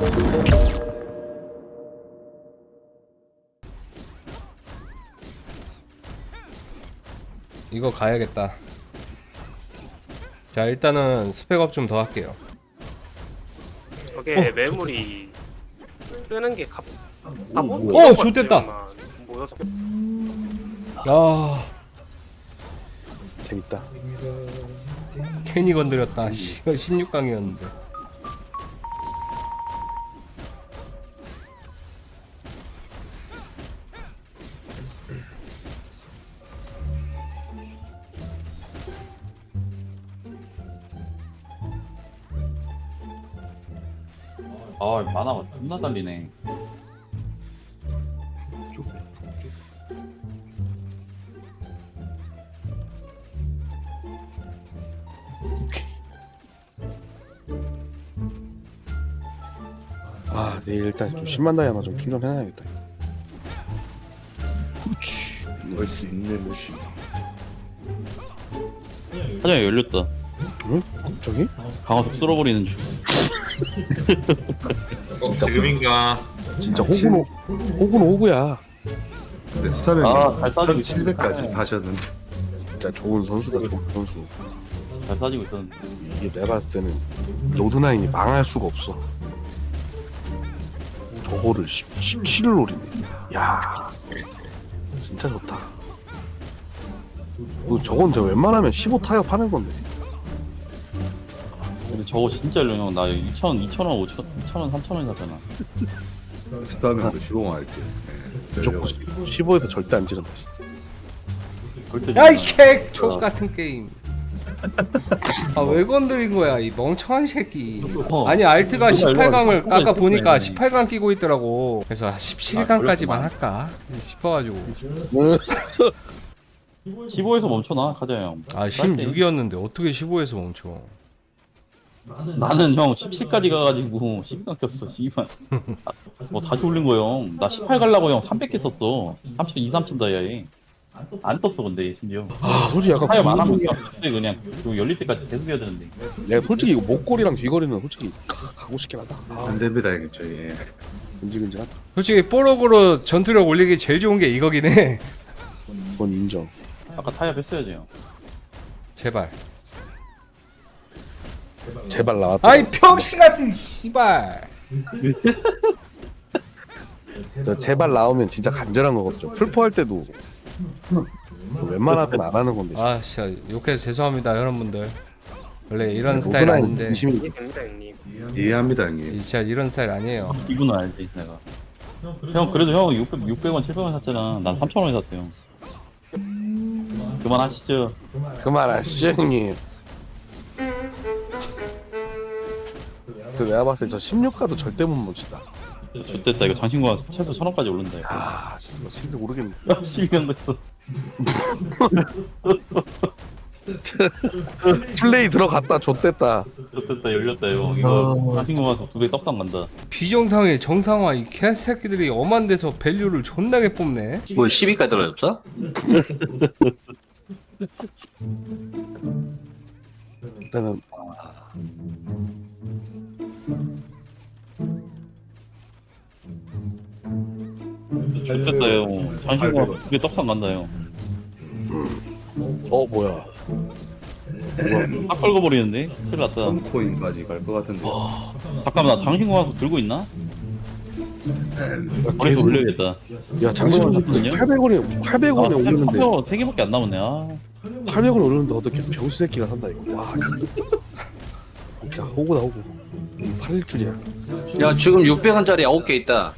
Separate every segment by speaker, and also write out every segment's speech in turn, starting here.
Speaker 1: 이거 가야겠다. 자, 일단은 스펙업 좀 더 할게요.
Speaker 2: 저게 매물이 뜨는 게
Speaker 1: 오, 좋댔다.
Speaker 2: 모여서
Speaker 1: 야,
Speaker 3: 재밌다.
Speaker 1: 괜히 건드렸다. 16강이었는데.
Speaker 4: 아 만화가 존나 달리네.
Speaker 3: 아, 내일 일단 좀 10만 다이아마 좀 충전해놔야겠다.
Speaker 5: 넣을 수 있는 무시.
Speaker 4: 사장이 열렸다.
Speaker 3: 응? 갑자기?
Speaker 4: 강화석 쓸어버리는 중.
Speaker 6: 지금인가?
Speaker 3: 진짜 호구는 호구야.
Speaker 5: 근데 수사명이
Speaker 4: 잘 싸지고
Speaker 5: 700까지 사셨는데
Speaker 3: 진짜 좋은 선수다, 좋은 선수.
Speaker 4: 잘 싸지고 있었는데.
Speaker 3: 이게 내가 봤을 때는 로드나인이 망할 수가 없어. 저거를 17을 노리네. 야, 진짜 좋다. 저건 저 웬만하면 15 타협 하는 건데.
Speaker 4: 근데 저거 진짜 형 나 2,000원, 2,000원, 3,000원 샀잖아.
Speaker 5: 수사명도 시공할게.
Speaker 3: 무조건 15에서 절대 안 지른다.
Speaker 4: 절대
Speaker 1: 야, 이 개! 족같은 게임. 아, 왜 건드린 거야, 이 멍청한 새끼. 아니, 알트가 18강을 아까 보니까 18강 끼고 있더라고. 그래서 17강까지만 할까 싶어가지고.
Speaker 4: 15에서 멈춰놔 가자 형.
Speaker 1: 아, 16이었는데 어떻게 15에서 멈춰?
Speaker 4: 나는 형 17까지 가가지고 12강 꼈어. 씨발. 뭐 다시 올린 거 형. 나 18 갈라고 형 300개 썼어. 3,000 다이아에. 안 떴어 근데 심지어.
Speaker 3: 아, 솔직히 약간
Speaker 4: 타협 안 하고
Speaker 3: 궁금한 게
Speaker 4: 그냥 이거 열릴 때까지 계속 해야 되는데.
Speaker 3: 내가 솔직히 이거 목걸이랑 귀걸이는 솔직히 가고 싶긴 하다.
Speaker 5: 안 됩니다 형님 저희.
Speaker 3: 근질근질하다.
Speaker 1: 솔직히 뽀록으로 전투력 올리기 제일 좋은 게 이거긴 해.
Speaker 3: 그건 인정.
Speaker 4: 아까 타협 했어야지 형.
Speaker 1: 제발.
Speaker 3: 제발 나왔다.
Speaker 1: 아이, 병신 같은 씨발.
Speaker 3: 저 제발 나오면 진짜 간절한 거거든요. 풀포 할 때도 웬만하면 안 하는 건데.
Speaker 1: 아, 진짜 욕해서 죄송합니다, 여러분들. 원래 이런 스타일
Speaker 3: 로드나인
Speaker 1: 아닌데.
Speaker 3: 진심이
Speaker 2: 됩니다 형님.
Speaker 5: 이해합니다 형님.
Speaker 1: 진짜 이런 스타일 아니에요.
Speaker 4: 이분은 알지 내가. 형 그래도 형 600원 700원 샀잖아. 난 3,000원에 샀어 형. 그만하시죠.
Speaker 3: 그만하시죠 형님. 그 내가 봤을 때 저 16가도 절대 못 멈춘다.
Speaker 4: 좋됐다 이거 장신구가 최소 1,000원까지 오른다 이거.
Speaker 3: 아 진짜 신세 모르겠네.
Speaker 4: 12명 됐어.
Speaker 3: 플레이 들어갔다 좆됐다.
Speaker 4: 좋됐다 열렸다 이거 장신구가 2배 떡상 간다.
Speaker 1: 비정상의 정상화 이 개새끼들이 엄한 데서 밸류를 존나게 뽑네.
Speaker 7: 뭐 10위까지 떨어졌어?
Speaker 3: 일단은
Speaker 4: 좋됐다 형. 장신구가 2배 떡상 간다 형.
Speaker 3: 뭐야?
Speaker 4: 딱 걸고버리는데? 큰일 났다.
Speaker 5: 코인까지 갈 것 같은데.
Speaker 4: 잠깐만 나 장신구 들고 있나? 머리에서 올려야겠다.
Speaker 3: 야 장신구
Speaker 4: 거거든요?
Speaker 3: 800원에 800원에 올리는데
Speaker 4: 3개밖에 안 남았네. 아.
Speaker 3: 800원 올리는데 어떻게 병수 새끼가 산다 이거. 와 진짜 호구다 호구. 이거 팔릴 줄이야.
Speaker 7: 야 지금 600원짜리 9개 있다.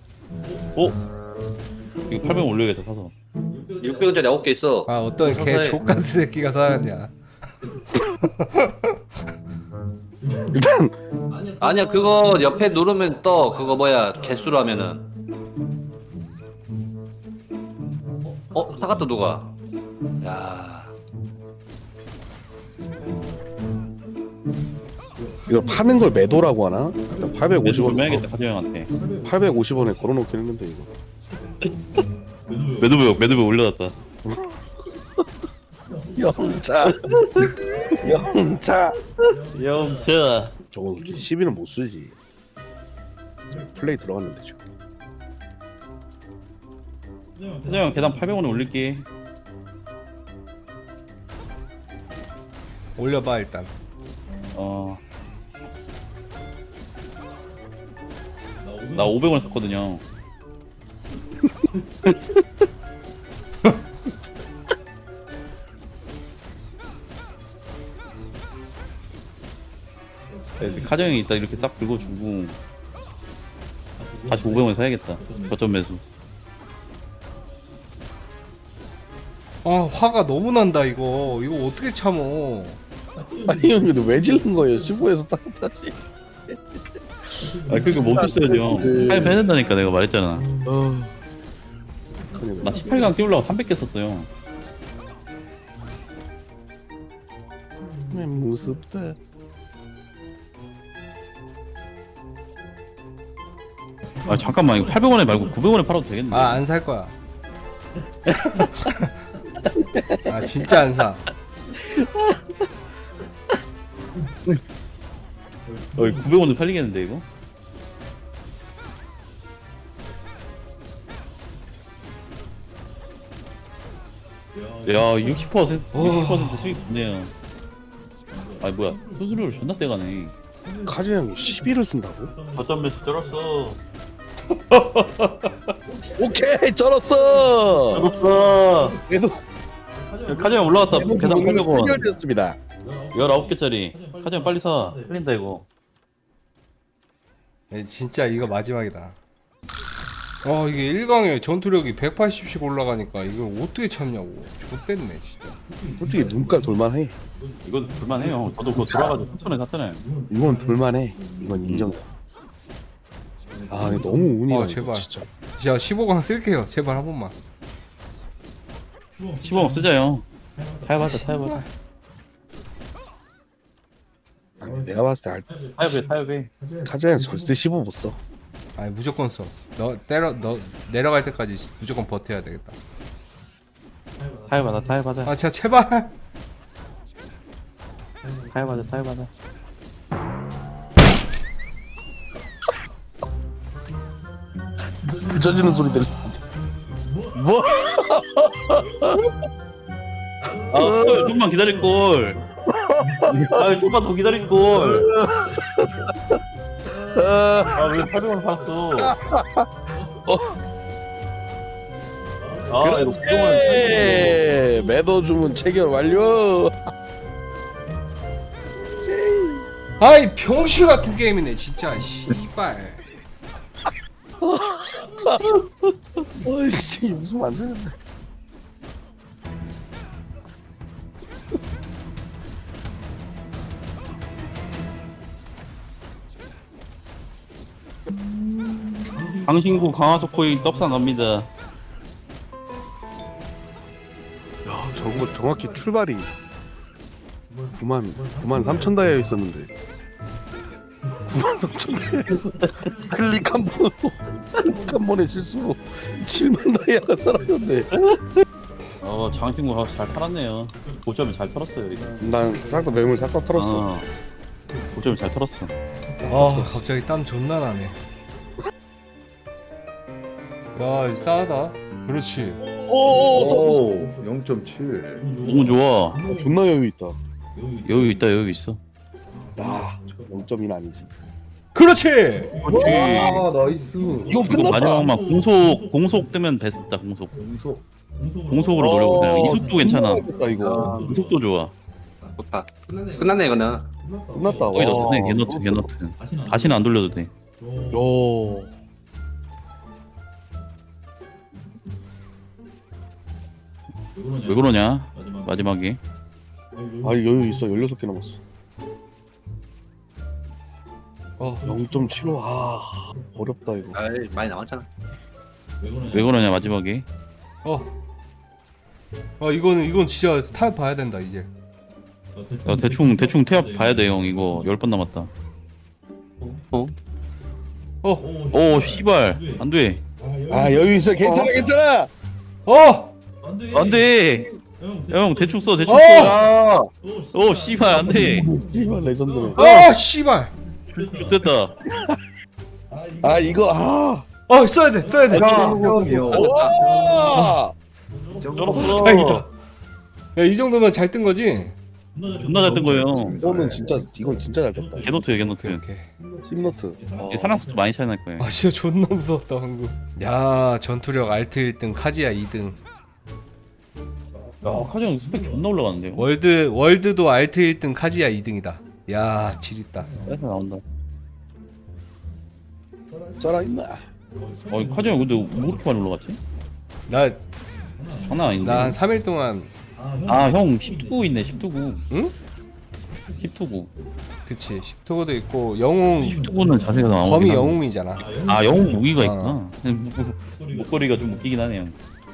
Speaker 4: 이거 800원 올려야겠다 사서.
Speaker 7: 600원짜리 9개 있어.
Speaker 1: 아, 어떤 개
Speaker 7: 서서히.
Speaker 1: 족같은 새끼가 살았냐.
Speaker 3: 일단
Speaker 7: 아니야 그거 옆에 누르면 떠. 그거 뭐야 개수로 하면은. 사갔다 누가? 야.
Speaker 3: 이거 파는 걸 매도라고 하나? 일단 850원
Speaker 4: 매야겠다 가자 형한테.
Speaker 3: 850원에 걸어놓긴 했는데 이거.
Speaker 4: 매도배 올려놨다.
Speaker 3: 영차 영차
Speaker 4: 영차.
Speaker 3: 저거 10위는 못 쓰지. 플레이 들어갔는데 지금.
Speaker 4: 회장 계단 800원에 올릴게.
Speaker 1: 올려봐 일단.
Speaker 4: 나 500원 샀거든요. 카정이 있다 이렇게 싹 긁어주고 다시 500원 사야겠다. 저점 매수.
Speaker 1: 아 화가 너무 난다 이거 어떻게 참어.
Speaker 3: 아니 형 근데 왜 질른 거예요? 15에서 따뜻하지.
Speaker 4: 아 그러니까 멈췄어야죠. 타협 해야 된다니까 내가 말했잖아. 나 18강 끼우려고 300개 썼어요.
Speaker 3: 무섭다.
Speaker 4: 아 잠깐만 이거 800원에 말고 900원에 팔아도 되겠네.
Speaker 1: 아 안 살 거야. 아 진짜 안 사.
Speaker 4: 900원도 팔리겠는데 이거? 야 60% 수익 좋네요. 아 뭐야 수수료를 존나 떼가네.
Speaker 3: 카즈 형이 11을 쓴다고?
Speaker 4: 저점 매수 쩔었어.
Speaker 3: 오케이 쩔었어.
Speaker 4: 쩔었어.
Speaker 3: 그래도
Speaker 4: 카정 올라갔다. 계단 800원.
Speaker 3: 해결되었습니다.
Speaker 4: 19개짜리. 카정 빨리 사. 팔린다 이거.
Speaker 1: 네, 진짜 이거 마지막이다. 이게 1강에 전투력이 180씩 올라가니까 이걸 어떻게 참냐고. X됐네 진짜.
Speaker 3: 솔직히 눈깔 돌만해.
Speaker 4: 이건 불만해요. 저도 그거 들어가지고 3,000원 샀잖아요.
Speaker 3: 이건 돌만해. 이건 인정. 아 근데 너무 운이 나
Speaker 1: 제발.
Speaker 3: 진짜.
Speaker 1: 자 15강 쓸게요 제발 한 번만.
Speaker 4: 15원 쓰자요. 타협하자.
Speaker 3: 아니, 내가 봤을 때
Speaker 4: 타협해.
Speaker 3: 카즈 형 절대 15 못 써.
Speaker 1: 아니 무조건 써. 너 내려갈 때까지 무조건 버텨야 되겠다.
Speaker 4: 타협하자.
Speaker 1: 아 진짜 제발.
Speaker 4: 타협하자.
Speaker 3: 부서지는 소리 들려. 뭐?
Speaker 4: 좀만 기다릴 걸. 좀만 더 기다릴 걸. 왜 800원 팔았어? 이거
Speaker 3: 그렇지. 매도 주문 체결 완료.
Speaker 1: 아이 병신 같은 게임이네 진짜. 씨발.
Speaker 3: 어이씨 웃으면 안 되는데.
Speaker 4: 강신구 강화석 코인 떡상 갑니다.
Speaker 3: 야 저거 정확히 출발이 9만 3천 다이아 있었는데 9만 3천 다이아에서 클릭 한 번에 실수로 7만 다이아가 사라졌네.
Speaker 4: 장신구 잘 팔았네요. 고점이 잘 털었어요 이거.
Speaker 3: 난 싹 다 매물 싹 다 털었어.
Speaker 4: 고점이 잘 털었어.
Speaker 1: 갑자기 땀 존나 나네. 야 싸다. 그렇지.
Speaker 5: 오 0.7.
Speaker 4: 너무 좋아.
Speaker 3: 존나 여유 있다.
Speaker 4: 여유 있어.
Speaker 3: 야 0.1 아니지.
Speaker 1: 그렇지.
Speaker 5: 아 나이스.
Speaker 3: 이거 끝났다.
Speaker 4: 마지막만 공속 뜨면 베스트다. 공속으로 노려보세요. 이속도 괜찮아.
Speaker 3: 끝났다 이거.
Speaker 4: 이속도 좋아.
Speaker 7: 좋다. 끝났네 이거는.
Speaker 3: 끝났다.
Speaker 4: 거의 너트네. 개너트. 다시는 안 돌려도 돼.
Speaker 3: 요.
Speaker 4: 왜 그러냐? 마지막에.
Speaker 3: 아 여유 있어. 16개 남았어. 0.75. 아 어렵다 이거.
Speaker 7: 아이 많이 남았잖아.
Speaker 4: 왜 그러냐 마지막에.
Speaker 1: 이건 진짜 타협 봐야 된다 이제.
Speaker 4: 야, 대충 태엽 봐야 돼 형. 이거 10번 남았다. 씨발 안 돼.
Speaker 3: 아 여유 있어. 괜찮아.
Speaker 4: 안 돼. 형 대충 써. 씨발 안 돼.
Speaker 3: 씨발 레전드네.
Speaker 1: 씨발.
Speaker 4: 됐다.
Speaker 3: 아 이거
Speaker 1: 써야 돼.
Speaker 5: 형이요.
Speaker 3: 와
Speaker 4: 쩔었어.
Speaker 1: 다행이다. 야, 이 정도면 잘 뜬 거지?
Speaker 4: 존나 잘 뜬 거예요.
Speaker 3: 이건 진짜 잘 떴다.
Speaker 4: 개노트예요 개노트.
Speaker 1: 이렇게.
Speaker 3: 심노트.
Speaker 4: 이게 사랑 속도 많이 차이 날 거예요.
Speaker 1: 아, 진짜 존나 무서웠다 방금. 야, 전투력 알트 1등, 카지야 2등.
Speaker 4: 카정 스펙 존나 올라가는데요.
Speaker 1: 월드도 알트 1등, 카지야 2등이다. 야, 지렸다.
Speaker 4: 그래서 나온다.
Speaker 3: 살아있나?
Speaker 4: 카정 근데 뭐 그렇게 많이 올라갔지?
Speaker 1: 나
Speaker 4: 장난 아닌데.
Speaker 1: 한 3일 동안
Speaker 4: 형 19 있네 19구.
Speaker 1: 응?
Speaker 4: 19구.
Speaker 1: 그치 10토고도 있고 영웅
Speaker 4: 19구는 자세가 나오긴
Speaker 1: 범이
Speaker 4: 하네.
Speaker 1: 영웅이잖아.
Speaker 4: 아 영웅 무기가
Speaker 1: 어.
Speaker 4: 있구나. 목걸이가 좀 웃기긴 하네요.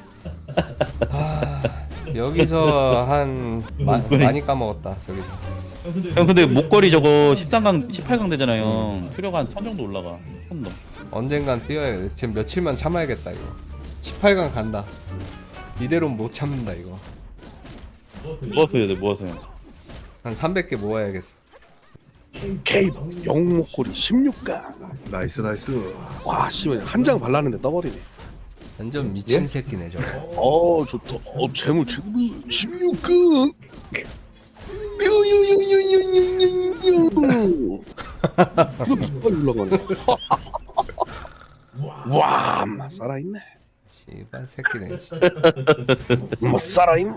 Speaker 1: 아, 여기서 한 많이 까먹었다 저기서.
Speaker 4: 형 근데 목걸이 저거 13강 18강 되잖아요. 수료가 한 1000 정도 올라가. 1000 넘.
Speaker 1: 언젠간 뛰어야 돼. 지금 며칠만 참아야겠다 이거. 18강 간다. 이대로는 못 참는다 이거.
Speaker 4: 모아서 해야 돼 모아서.
Speaker 1: 한 300개 모아야겠어.
Speaker 3: 케이브 영웅 목걸이 16가.
Speaker 5: 나이스 나이스.
Speaker 3: 와 씨발 한 장 발랐는데 떠버리네.
Speaker 1: 완전 미친 새끼네 저거.
Speaker 3: 좋다. 재물 16강. 유유유유유유유유. 이거 몇번 올라가네. 와, 살아있네.
Speaker 1: 씨발 새끼네. 진짜.
Speaker 3: 살아있네.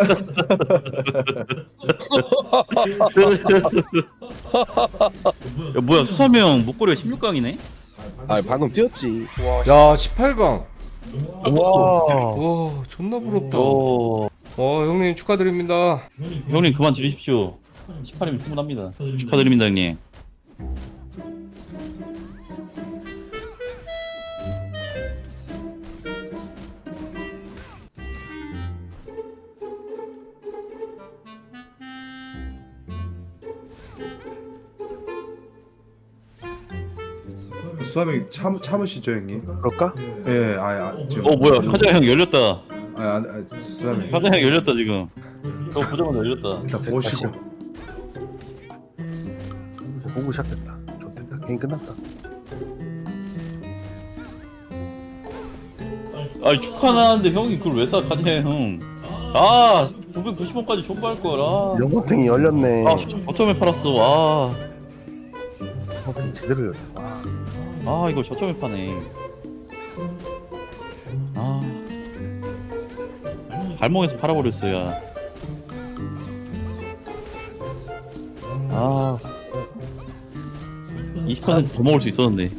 Speaker 4: 야 뭐야 수사명 목걸이가 16강이네?
Speaker 3: 아 방금 뛰었지.
Speaker 1: 야 18강.
Speaker 3: 와.
Speaker 1: 와 존나 부럽다.
Speaker 4: 오.
Speaker 1: 형님 축하드립니다.
Speaker 4: 형님 그만 지르십시오. 18이면 충분합니다. 축하드립니다 형님.
Speaker 5: 수아님 참으시죠 형님.
Speaker 3: 그럴까?
Speaker 5: 예, 지금.
Speaker 4: 뭐야 카자 형 열렸다.
Speaker 5: 수아님
Speaker 4: 카자 형 열렸다 지금. 보자마자 열렸다.
Speaker 5: 일단 보시고.
Speaker 3: 공부 시작됐다. 좋됐다. 게임 끝났다.
Speaker 4: 아니 축하하는데 형이 그걸 왜 사 카자 형? 아 990원까지 존버할 걸.
Speaker 3: 영광탱이 열렸네.
Speaker 4: 저점에 팔았어.
Speaker 3: 영광탱이 제대로 열렸.
Speaker 4: 이거 저점에 파네. 발목에서 팔아버렸어요. 20%더 먹을 수 있었는데.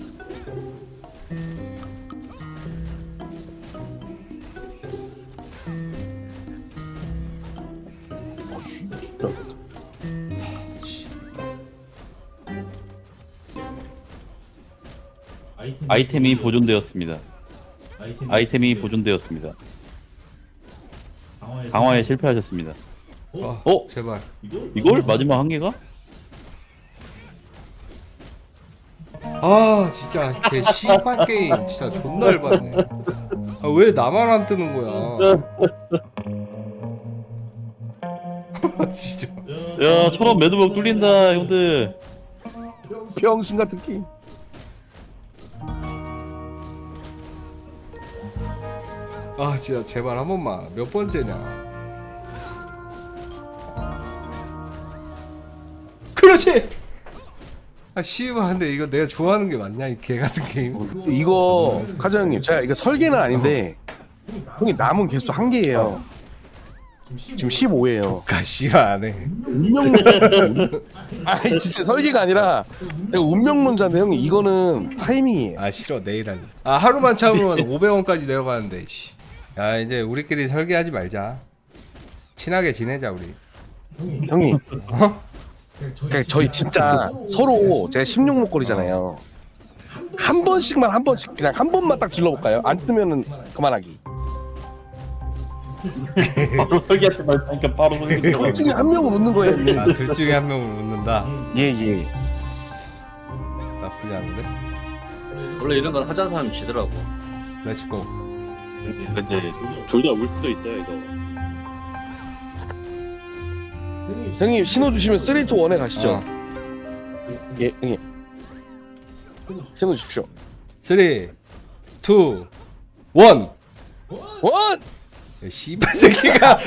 Speaker 4: 아이템이 보존되었습니다. 아이템이 보존되었습니다. 강화에 실패하셨습니다.
Speaker 1: 제발.
Speaker 4: 이걸 마지막 한 개가?
Speaker 1: 아 진짜 개 씨발 게임 진짜 존나 열받네. 왜 나만 안 뜨는 거야? 진짜.
Speaker 4: 야, 철원 매드복 뚫린다, 형들.
Speaker 3: 병신 같은 게임.
Speaker 1: 아 진짜 제발 한 번만. 몇 번째냐? 그렇지. 아 씨발 근데 이거 내가 좋아하는 게 맞냐 이 개 같은 게임?
Speaker 3: 이거 카자 형님 제가 이거 설계는 아닌데 형이 남은 개수 한 개예요. 지금 15예요.
Speaker 1: 가 씨발 안 해.
Speaker 3: 아니 진짜 설계가 아니라 제가 운명론자인데 형님 이거는 타이밍이에요.
Speaker 1: 아 싫어 내일 할래. 아 하루만 참으면 500원까지 내려가는데. 씨. 야 이제 우리끼리 설계하지 말자. 친하게 지내자 우리.
Speaker 3: 형님. 그러니까 저희 진짜 서로 제가 16목걸이잖아요. 한 번씩만 한 번씩 그냥 한 번만 딱 질러볼까요? 안 뜨면은 그만하기.
Speaker 4: 바로 설계하지 말니까 바로 설계.
Speaker 3: 둘 중에 한 명은 웃는 거예요. 형님.
Speaker 1: 아 둘 중에 한 명을 웃는다.
Speaker 3: 예.
Speaker 1: 나쁘지 않은데?
Speaker 7: 원래 이런 건 하자는 사람이 지더라고.
Speaker 1: 렛츠고.
Speaker 4: 근데 둘 다 울 수도 있어요, 이거.
Speaker 3: 형님 신호 주시면 3, 2, 1에 가시죠.
Speaker 1: 어.
Speaker 3: 예, 형님. 해놓으십시오.
Speaker 1: 3 2 1
Speaker 3: 원!
Speaker 1: 씨발 새끼가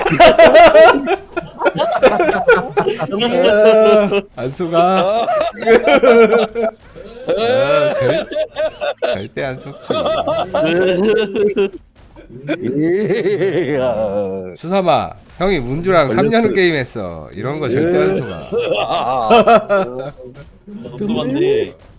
Speaker 1: 안수가 절대 안 속지. 수삼아 형이 문주랑 3년 게임했어. 이런 거 절대 안 속아.
Speaker 4: 궁금한데